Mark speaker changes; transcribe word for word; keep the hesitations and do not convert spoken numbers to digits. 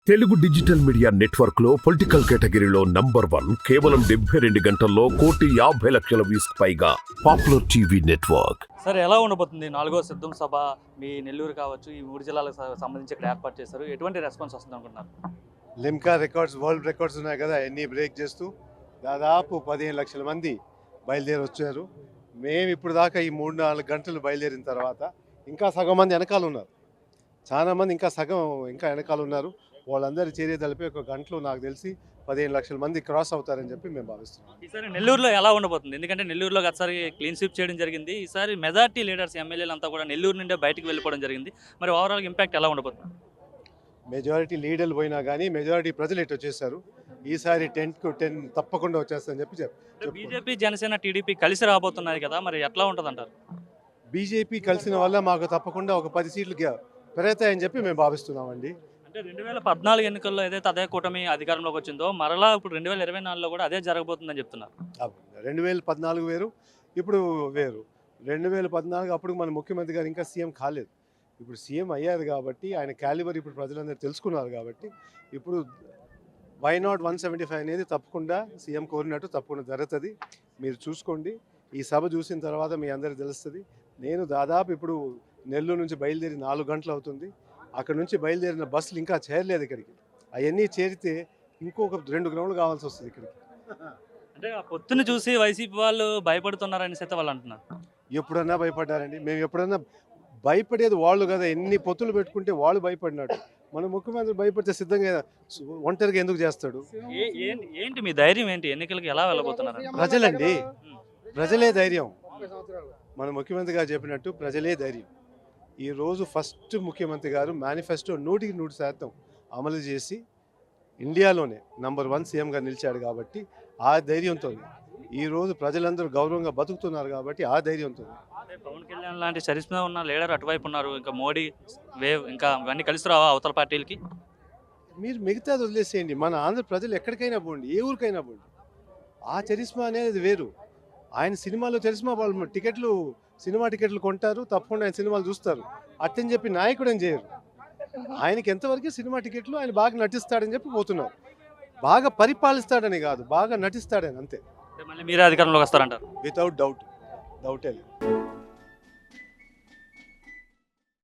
Speaker 1: Telugu digital media network లో political కేటగిరీలో number one కేవలం డెబ్బై రెండు గంటల్లో కోటి యాభై లక్షల వ్యూస్ పైగా పాపులర్ టీవీ నెట్వర్క్.
Speaker 2: సార్ ఎలా ఉండబోతుంది నాలుగో సిద్ధం సభ మీ నెల్లూరు కావచ్చు ఈ మూడు జిల్లాలకు సంబంధించి ఇక్కడ ఏర్పాటు చేశారు, ఎటువంటి రెస్పాన్స్ వస్తుంది అనుకుంటున్నారు?
Speaker 3: లిమ్కా రికార్డ్స్ వరల్డ్ రికార్డ్స్ ఉన్నాయి కదా, అన్నీ బ్రేక్ చేస్తూ దాదాపు పదిహేను లక్షల మంది బయలుదేరి వచ్చారు. మేము ఇప్పుడు దాకా ఈ మూడు నాలుగు గంటలు బయలుదేరిన తర్వాత ఇంకా సగం మంది వెనకాల ఉన్నారు, చాలా మంది ఇంకా సగం ఇంకా వెనకాల ఉన్నారు. వాళ్ళందరి చర్య తెలిపి ఒక గంటలో నాకు తెలిసి పదిహేను లక్షల మంది క్రాస్ అవుతారని చెప్పి మేము భావిస్తున్నాం.
Speaker 2: ఈసారి నెల్లూరులో ఎలా ఉండబోతుంది? ఎందుకంటే నెల్లూరులో గతసారి క్లీన్ స్వీప్ చేయడం జరిగింది, ఈసారి మెజార్టీ లీడర్స్ ఎమ్మెల్యేలు అంతా కూడా నెల్లూరు నుండే బయటకు వెళ్ళిపోవడం జరిగింది. మరి ఓవరాల్ ఇంపాక్ట్ ఎలా ఉండబోతుంది?
Speaker 3: మెజారిటీ లీడర్లు పోయినా కానీ మెజారిటీ ప్రజలు ఎటు వచ్చేసారు. ఈసారి టెన్కు టెన్ తప్పకుండా వచ్చేస్తారని చెప్పి చెప్పి
Speaker 2: బీజేపీ జనసేన టీడీపీ కలిసి రాబోతున్నది కదా, మరి ఎట్లా ఉంటుంది అంటారు?
Speaker 3: బీజేపీ కలిసిన వల్ల మాకు తప్పకుండా ఒక పది సీట్లు పెరుగుతాయని చెప్పి మేము భావిస్తున్నామండి.
Speaker 2: అంటే రెండు వేల పద్నాలుగు ఎన్నికల్లో ఏదైతే అదే కూటమి అధికారంలోకి వచ్చిందో మరలా ఇప్పుడు రెండు వేల ఇరవై నాలుగులో కూడా అదే జరగబోతుందని చెప్తున్నారు.
Speaker 3: రెండు వేల పద్నాలుగు వేరు, ఇప్పుడు వేరు. రెండు వేల పద్నాలుగు అప్పుడు మన ముఖ్యమంత్రి గారు ఇంకా సీఎం కాలేదు, ఇప్పుడు సీఎం అయ్యారు కాబట్టి ఆయన క్యాలిబర్ ఇప్పుడు ప్రజలందరూ తెలుసుకున్నారు కాబట్టి ఇప్పుడు why not one seventy five అనేది తప్పకుండా సీఎం కోరినట్టు తప్పకుండా జరుగుతుంది. మీరు చూసుకోండి, ఈ సభ చూసిన తర్వాత మీ అందరికీ తెలుస్తుంది. నేను దాదాపు ఇప్పుడు నెల్లూరు నుంచి బయలుదేరి నాలుగు గంటలు అవుతుంది. అక్కడ నుంచి బయలుదేరిన బస్సులు ఇంకా చేరలేదు ఇక్కడికి. అవన్నీ చేరితే ఇంకొక రెండు గ్రౌండ్లు కావాల్సి వస్తుంది ఇక్కడికి.
Speaker 2: అంటే ఆ పొత్తును చూసి వైసీపీ వాళ్ళు భయపడుతున్నారని అయితే వాళ్ళు అంటున్నారు.
Speaker 3: ఎప్పుడన్నా భయపడ్డారండి? మేము ఎప్పుడన్నా భయపడేది వాళ్ళు కదా, ఎన్ని పొత్తులు పెట్టుకుంటే వాళ్ళు భయపడినట్టు. మన ముఖ్యమంత్రి భయపడితే సిద్ధంగా ఒంటరిగా ఎందుకు చేస్తాడు?
Speaker 2: ఏంటి మీ ధైర్యం ఏంటి? ఎన్నికలకు ఎలా వెళ్ళబోతున్నారు?
Speaker 3: ప్రజలండి, ప్రజలే ధైర్యం. మన ముఖ్యమంత్రి గారు చెప్పినట్టు ప్రజలే ధైర్యం. ఈరోజు ఫస్ట్ ముఖ్యమంత్రి గారు మేనిఫెస్టో నూటికి నూరు శాతం అమలు చేసి ఇండియాలోనే నంబర్ వన్ సీఎంగా నిలిచాడు కాబట్టి ఆ ధైర్యంతో ఈరోజు ప్రజలందరూ గౌరవంగా బతుకుతున్నారు కాబట్టి ఆ ధైర్యంతో.
Speaker 2: పవన్ కళ్యాణ్ లాంటి చరిష్మా ఉన్న లీడర్ అటువైపు ఉన్నారు, ఇంకా మోడీ వేవ్ ఇంకా ఇవన్నీ కలిసి రావా అవతల పార్టీలకి?
Speaker 3: మీరు మిగతాది వదిలేసేయండి, మన ఆంధ్ర ప్రజలు ఎక్కడికైనా పోండి, ఏ ఊరికైనా పోండి, ఆ చరిష్మా అనేది వేరు. ఆయన సినిమాలో చరిష్మా వాళ్ళు టికెట్లు సినిమా టికెట్లు కొంటారు, తప్పకుండా ఆయన సినిమాలు చూస్తారు. అట్టని చెప్పి నాయకుడు అని చేయరు. ఆయనకి ఎంతవరకు సినిమా టికెట్లు, ఆయన బాగా నటిస్తాడని చెప్పి పోతున్నారు. బాగా పరిపాలిస్తాడని కాదు, బాగా నటిస్తాడని అంతే.
Speaker 2: మళ్ళీ మీరే అధికారంలోకి వస్తారంటారు?
Speaker 3: వితౌట్ డౌట్, డౌటే లేదు.